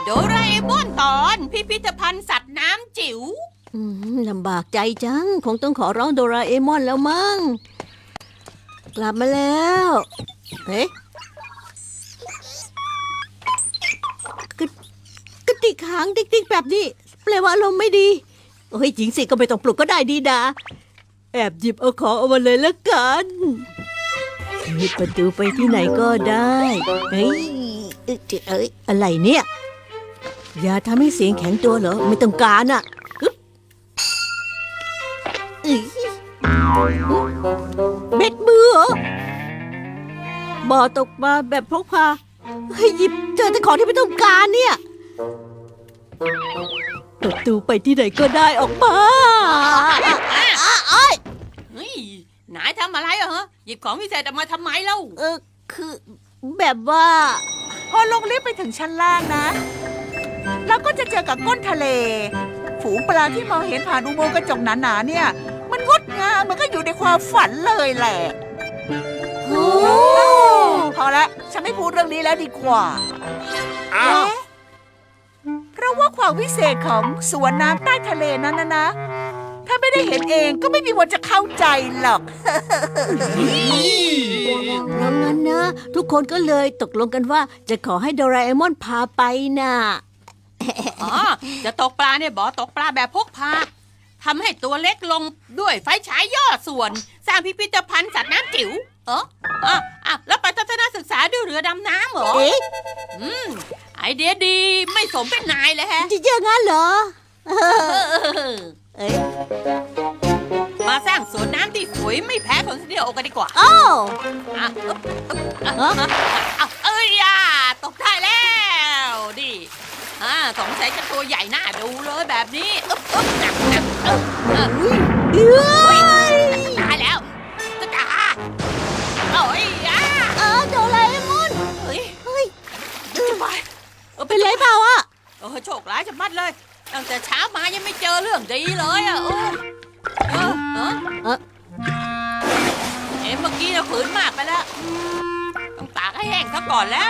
โดราเอมอนตอนพิพิธภัณฑ์สัตว์น้ำจิ๋วลำบากใจจังคงต้องขอร้องโดราเอมอนแล้วมั้งกลับมาแล้วเอ๊ะกระติกหางติ๊กๆแบบนี้แปลว่าอารมณ์ไม่ดีโอ้ยจริงสิก็ไม่ต้องปลุกก็ได้ดีดาแอบหยิบเอาของเอามาเลยละกันหยิบประตูไปที่ไหนก็ได้เฮ้ยอะไรเนี่ยอย่าทำให้เสียงแข็งตัวเหรอไม่ต้องการอ่ะเบ็ดมือเหรอบ่อตกปลาแบบพกพาให้หยิบเจอแต่ของที่ไม่ต้องการเนี่ยประตูไปที่ไหนก็ได้ออกมาเฮ้ยนายทำอะไรเหรอหยิบของพิเศษออกมาทำไมเล่าคือแบบว่าพอลงลิฟต์ไปถึงชั้นล่างนะเราก็จะเจอกับก้นทะเลฝูงปลาที่มองเห็นผ่านอุโมงค์กระจกหนาๆเนี่ยมันงดงามมันก็อยู่ในความฝันเลยแหละโอ้พอละฉันไม่พูดเรื่องนี้แล้วดีกว่าเพราะว่าความวิเศษของสวนน้ำใต้ทะเลนั้นนะถ้าไม่ได้เห็นเองก็ไม่มีวันจะเข้าใจหรอกเพราะงั้นนะทุกคนก็เลยตกลงกันว่าจะขอให้โดราเอมอนพาไปน่ะจะตกปลาเนี่ยบ่อตกปลาแบบพกพาทำให้ตัวเล็กลงด้วยไฟฉายย่อส่วนสร้างพิพิธภัณฑ์สัตว์น้ำจิ๋วแล้วไปทัศนศึกษาด้วยเรือดำน้ำเหรอไอเดียดีไม่สมเป็นนายเลยฮะจะเยอะงั้นเหรอมาสร้างสวนน้ำที่สวยไม่แพ้ของสตูดิโอกันดีกว่าตกได้แล้วดิสงสัยจะตัวใหญ่น่าดูเลยแบบนี้ตายแล้วตาโดราเอมอนเฮ้ยเป็นไรเปล่าอ่ะโชคร้ายจะมัดเลยตั้งแต่เช้ามายังไม่เจอเรื่องดีเลยเมื่อกี้เราฝืนมากไปแล้วต้องตากให้แห้งซะก่อนแล้ว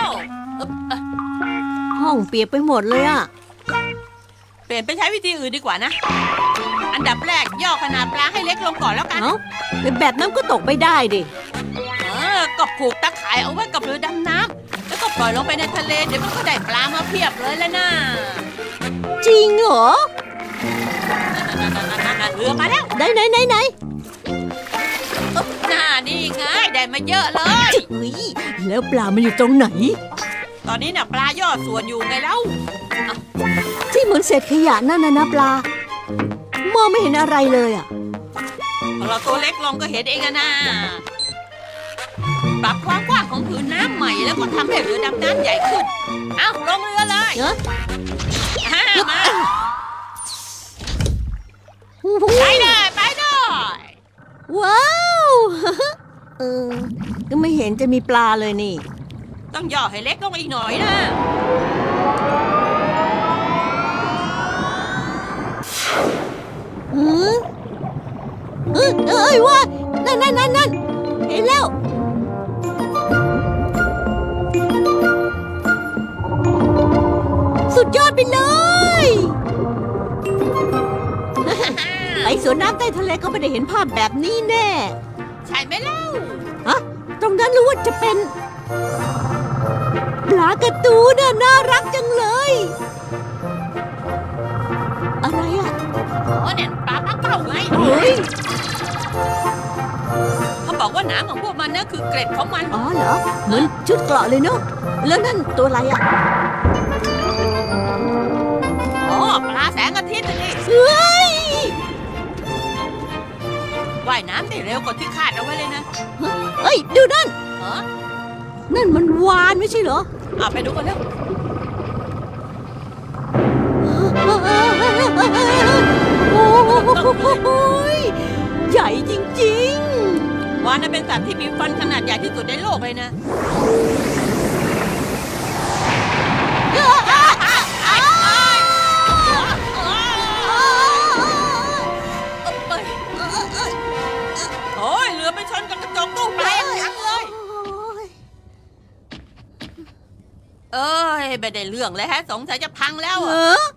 ห้องเปียกไปหมดเลยอ่ะเปลี่ยนไปใช้วิธีอื่นดีกว่านะอันดับแรกย่อขนาดปลาให้เล็กลงก่อนแล้วกันแบบนั้นก็ตกไม่ได้ดิก็ผูกตะข่ายเอาไว้กับเรือดำน้ำแล้วก็ปล่อยลงไปในทะเลเดี๋ยวมันก็ได้ปลามาเพียบเลยแล้วนะจริงเหรอเรือมาแล้วไหนนี่ไงได้มาเยอะเลยแล้วปลามันอยู่ตรงไหนตอนนี้น่ะปลาย่อส่วนอยู่ไงเล่าที่เหมือนเศษขยะนั่นนะปลามองไม่เห็นอะไรเลยอ่ะเราตัวเล็กลงก็เห็นเองนะปรับความกว้างของผืนน้ำใหม่แล้วก็ทำให้เรือดำน้ำใหญ่ขึ้นลงเรือเลยมาไปเลยว้าวก็ไม่เห็นจะมีปลาเลยนี่ต้องย่อให้เล็กลงอีกหน่อยนะว่านั่นเห็นแล้วสุดยอดไปเลยไปสวนน้ำใต้ทะเลก็ไม่ได้เห็นภาพแบบนี้แน่ใช่ไหมเล่าตรงนั้นรู้ว่าจะเป็นปลาการ์ตูนน่ารักจังเลยอะไรอ่ะเนี่ยปลาปักเป้าไงเขาบอกว่าหนังของพวกมันน่ะคือเกล็ดของมันเหรอเหมือนชุดเกราะเลยเนาะแล้วนั่นตัวอะไรอ่ะปลาแสงอาทิตย์นี่ว่ายน้ำได้เร็วกว่าที่คาดเอาไว้เลยนะดูนั่นนั่นมันวาฬไม่ใช่เหรอไปดูกันเร็วใหญ่จริงๆวาฬเป็นสัตว์ที่มีฟันขนาดใหญ่ที่สุดในโลกเลยนะเรือไปชนกับกระจกตู้ปลาอย่างจังเลยยไม่ได้เรื่องเลยฮะ สงสัยจะพังแล้วเออะอ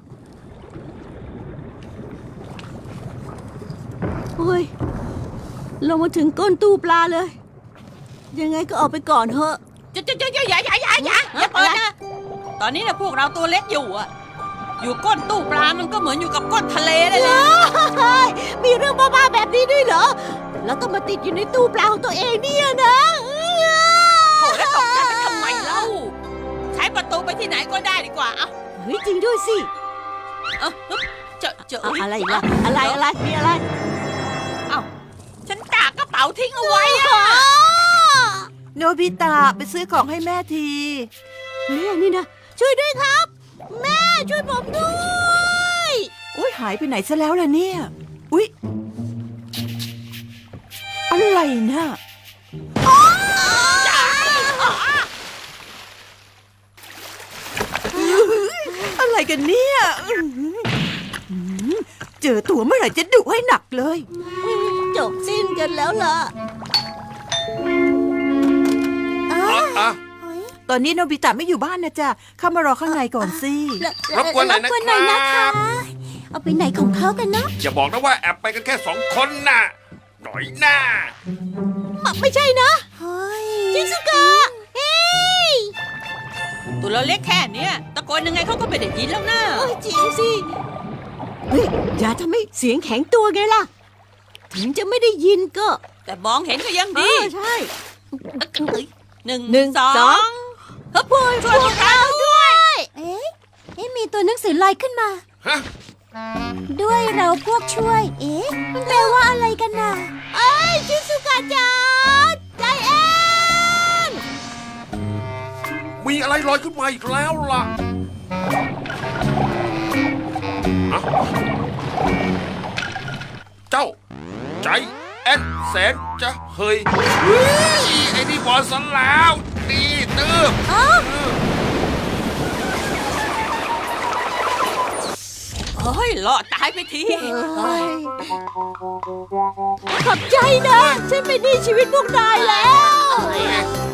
โอ้ยเรามาถึงก้นตู้ปลาเลย ยังไงก็ออกไปก่อนเถอะอย่าเปิดนะ ตอนนี้นะพวกเราตัวเล็กอยู่อะอยู่ก้นตู้ปลามันก็เหมือนอยู่กับก้นทะเลเลยแหละเฮ้ยมีเรื่องบ้าๆแบบนี้ด้วยเหรอ แล้วต้องมาติดอยู่ในตู้ปลาของตัวเองเนี่ยนะโอ้แล้วตกใจไปทำไมเล่า ใช้ประตูไปที่ไหนก็ได้ดีกว่า เอาเฮ้ยจริงด้วยสิเอาเจอเอาอะไรอีกล่ะอะไรมีอะไรเอาฉันตากกระเป๋าทิ้งเอาไว้อะโนบิตะไปซื้อของให้แม่ทีเฮ้ยอันนี่นะช่วยด้วยครับ แม่ช่วยผมด้วยอุ้ยหายไปไหนซะแล้วล่ะเนี่ย อุ้ยอะไรนะจ๋าอะไรกันเนี่ยอื้อหือเจอตัวเมื่อไหร่จะดุให้หนักเลยจบสิ้นกันแล้วล่ะอ่ะตอนนี้โนบิตะไม่อยู่บ้านนะจ๊ะเข้ามารอข้างในก่อนสิรบกวนหน่อยนะครับเอาไปไหนของเขากันเนาะอย่าบอกนะว่าแอบไปกันแค่2 คนน่ะ หน่อยหน้าไม่ใช่นะชิซุกะเฮ้ยตัวเราเล็กแค่เนี้ยตะโกนยังไงเขาก็ไม่ได้ยินแล้วนะโอ้ยจริงสิเฮ้ยอย่าทำให้เสียงแข็งตัวไงล่ะ ถึงจะไม่ได้ยินก็แต่มองเห็นก็ยังเอดีอใช่หนึ่งหนึ่งสอสองงเฮ้ยช่วยพวกเราด้วยเอ๊ะมีตัวหนังสือลอยขึ้นมาฮะด้วยเราพวกช่วย เอ๊ะ มันแปลว่าอะไรกันน่ะเอ้ยชิซุกะจ๋าใจเอ็นมีอะไรลอยขึ้นมาอีกแล้วล่ะฮะเจ้า ใจแอนแสนจะเฮยเฮ้ยไอ้นี่บอลสันแล้วนี่ตื้อเฮ้ยหลอดตายไปทีขอบใจนะ ฉันเป็นหนี้ชีวิตพวกนายแล้วเฮ้ย